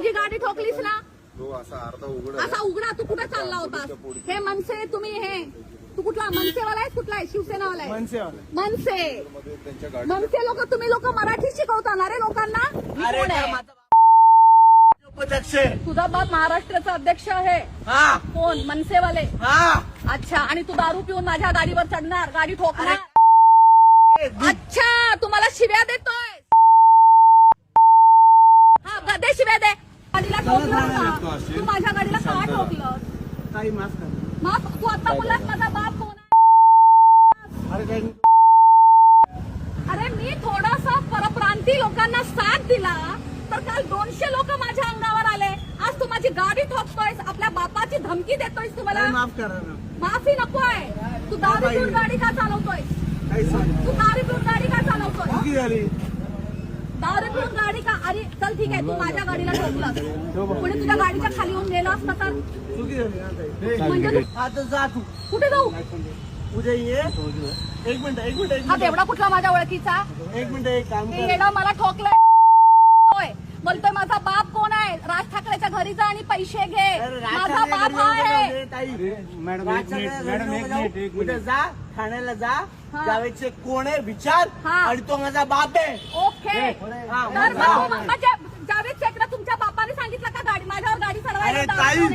माझी गाडी ठोकलीस ना, तो असा उघडा. तू कुठे चालला होतास? हे मनसे तुम्ही हे तू कुठला मनसेवाला आहे? कुठला आहे? शिवसेनावाला आहे? मनसे लोक तुम्ही लोक मराठी शिकवता ना रे लोकांना? तुझा बाप महाराष्ट्राचा अध्यक्ष आहे? कोण? मनसेवाले? अच्छा. आणि तू दारू पिऊन माझ्या गाडीवर चढणार, गाडी ठोकणार? अच्छा, तुम्हाला शिव्या देतोय? हा, दे शिव्या दे. गाडीला ठोकलं का? तू माझ्या गाडीला का ठोकलं? माफ. तू आता बोललास माझा बाप कोण आहे? अरे मी थोडासा परप्रांती लोकांना साथ दिला तर काल 200 लोक माझ्या अंगावर आले. आज तू माझी गाडी ठोकतोयस, आपल्या बापाची धमकी देतोयस. तुम्हाला माफ करा ना. माफी नकोय. तू दारू पिऊन गाडी का चालवतोय? तू दारू पिऊन गाडी का चालवतोय? दारू पिऊन गाडी का? अरे चल ठीक आहे, तू माझ्या गाडीला ठोकलं, पुढे तुझ्या गाडीच्या खाली येऊन गेला असता तर म्हणजे आता जा तू. कुठे जाऊ? उद्या ये. एक मिनिट. हा बेवडा कुठला माझ्या ओळखीचा? एक मिनिट. एक काम हे कर. येणं मला ठोकलंय. बोलतोय माझा बाप कोण आहे? राज ठाकरेच्या घरी जा आणि पैसे घे. माझा बाप हा आहे. मॅडम एक मिनिट. उद्या जा ठाण्याला जा. जावेदचे कोण आहे विचार, आणि तो माझा बाप आहे. ओके. तर म्हणजे जावेद शेखला तुमच्या बापाने सांगितलं का गाडी माझ्यावर गाडी चढवायला?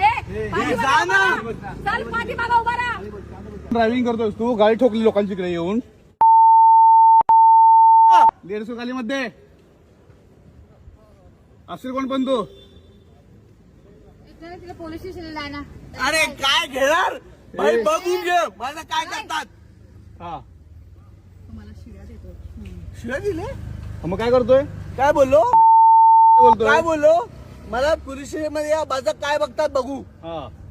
चल पाठीमागा उभा राहा. ड्रायव्हिंग करतोय तू, गाडी ठोकली लोकांची इकडे येऊन. 150 गालीमध्ये असेल कोण पण तू? पोलीस स्टेशनला आहे ना. अरे काय घेणार भाई, बघून घे मला काय करतात. तुम्हाला शिव्या देतो. शिवाय दिले. मग काय करतोय? काय बोललो? बोलतोय काय बोललो? मला पोलीस स्टेशन मध्ये या, माझं काय बघतात बघू.